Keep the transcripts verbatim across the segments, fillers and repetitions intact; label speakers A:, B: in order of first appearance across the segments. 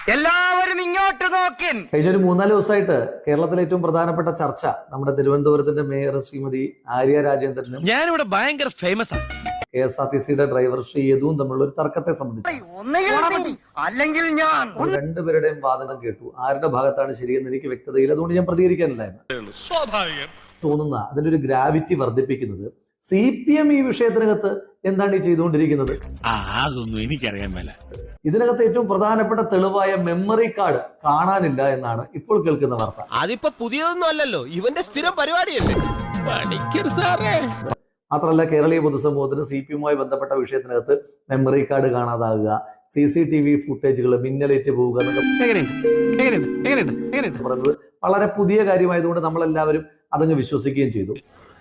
A: എല്ലാവരും ഇങ്ങോട്ട് നോക്കിൻ.
B: കഴിഞ്ഞ ഒരു മൂന്നാല് ദിവസമായിട്ട് കേരളത്തിലെ ഏറ്റവും പ്രധാനപ്പെട്ട ചർച്ച നമ്മുടെ തിരുവനന്തപുരത്തിന്റെ മേയർ ശ്രീമതി ആര്യ രാജേന്ദ്രനും
C: ഞാനിവിടെ ഭയങ്കര ഫേമസ് ആണ്
B: കെ എസ് ആർ ടി സിയുടെ ഡ്രൈവർ ശ്രീ യദുവും തമ്മിലുള്ള ഒരു തർക്കത്തെ സംബന്ധിച്ച്
A: അല്ലെങ്കിൽ ഞാൻ
B: രണ്ടുപേരുടെയും വാദനം കേട്ടു. ആരുടെ ഭാഗത്താണ് ശരിയെന്ന് എനിക്ക് വ്യക്തതയില്ല, അതുകൊണ്ട് ഞാൻ പ്രതികരിക്കാനില്ലായിരുന്നു.
C: സ്വാഭാവികം
B: തോന്നുന്ന അതിന്റെ ഒരു ഗ്രാവിറ്റി വർദ്ധിപ്പിക്കുന്നത് സി പി എം ഈ വിഷയത്തിനകത്ത് എന്താണ് ഈ ചെയ്തുകൊണ്ടിരിക്കുന്നത്?
C: അതൊന്നും എനിക്കറിയാൻ മേല.
B: ഇതിനകത്ത് ഏറ്റവും പ്രധാനപ്പെട്ട തെളിവായ മെമ്മറി കാർഡ് കാണാനില്ല എന്നാണ് ഇപ്പോൾ കേൾക്കുന്ന വാർത്ത.
D: അതിപ്പോ പുതിയതൊന്നും അല്ലല്ലോ, ഇവന്റെ സ്ഥിരം പരിപാടിയല്ലേ.
C: പണിക്കർ സാറേ.
B: മാത്രമല്ല, കേരളീയ പൊതുസമൂഹത്തിന് സി പി എമ്മുമായി ബന്ധപ്പെട്ട വിഷയത്തിനകത്ത് മെമ്മറി കാർഡ് കാണാതാകുക, സി സി ടി വി ഫുട്ടേജുകൾ മിന്നലേറ്റ് പോവുക എന്നൊക്കെ പറയുന്നത് വളരെ പുതിയ കാര്യമായതുകൊണ്ട് നമ്മളെല്ലാവരും അതങ്ങ് വിശ്വസിക്കുകയും ചെയ്തു.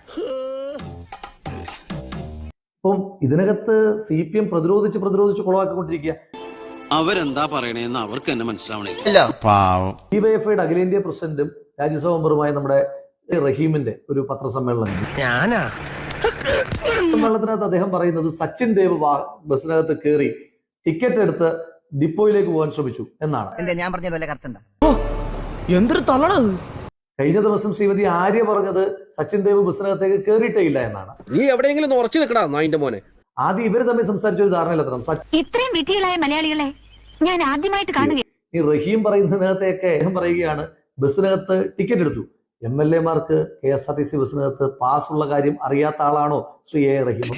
B: അപ്പം ഇതിനകത്ത് സി പി എം പ്രതിരോധിച്ച് പ്രതിരോധിച്ച് കുളവാക്കിക്കൊണ്ടിരിക്കുക.
E: അവരെന്താ പറയണേന്ന് അവർക്ക് തന്നെ മനസ്സിലാവണേ.
B: ഡിവൈഎഫ്ഐയുടെ അഖിലേന്ത്യാ പ്രസിഡന്റും രാജ്യസഭാ മെമ്പറുമായ നമ്മുടെ റഹീമിന്റെ ഒരു പത്രസമ്മേളനം
A: ഞാനാ
B: സമ്മേളനത്തിനകത്ത് അദ്ദേഹം പറയുന്നത് സച്ചിൻ ദേവ് ബസ്സിനകത്ത് കയറി ടിക്കറ്റ് എടുത്ത് ഡിപ്പോയിലേക്ക് പോകാൻ ശ്രമിച്ചു എന്നാണ്.
A: ഞാൻ പറഞ്ഞ വല്ല കറക്റ്റ്
D: എന്തൊരു തള്ളണത്.
B: കഴിഞ്ഞ ദിവസം ശ്രീമതി ആര്യ പറഞ്ഞത് സച്ചിൻ ദേവ് ബസ്സിനകത്തേക്ക് കയറിയിട്ടേ ഇല്ല എന്നാണ്.
D: നീ എവിടെയെങ്കിലും ഉറച്ചു നിൽക്കടാ നായിന്റെ മോനെ.
B: ആദ്യം ഇവര് തമ്മിൽ സംസാരിച്ച ഒരു ധാരണയിലെത്തണം.
F: ഇത്രയും വിധികളായ മലയാളികളെ ഞാൻ ആദ്യമായിട്ട് കാണുക.
B: ഈ റഹീം പറയുന്നതിനകത്തേക്ക് അദ്ദേഹം പറയുകയാണ് ബസ്സിനകത്ത് ടിക്കറ്റ് എടുത്തു. എം എൽ എമാർക്ക് K S R T C ബസ്സിനകത്ത് പാസ് ഉള്ള കാര്യം അറിയാത്ത ആളാണോ ശ്രീ എ റഹീം?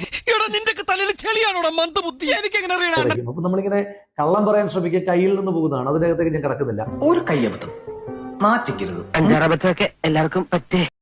B: റഹീം അപ്പൊ നമ്മളിങ്ങനെ കള്ളം പറയാൻ ശ്രമിക്കുക, കയ്യിൽ നിന്ന് പോകുന്നതാണ്. അതിനകത്തേക്ക് ഞാൻ കിടക്കുന്നില്ല.
G: ഒരു കയ്യബദ്ധം നാറ്റിക്കരുത്.
A: അഞ്ചാറബദ്ധമൊക്കെ എല്ലാവർക്കും പറ്റേ.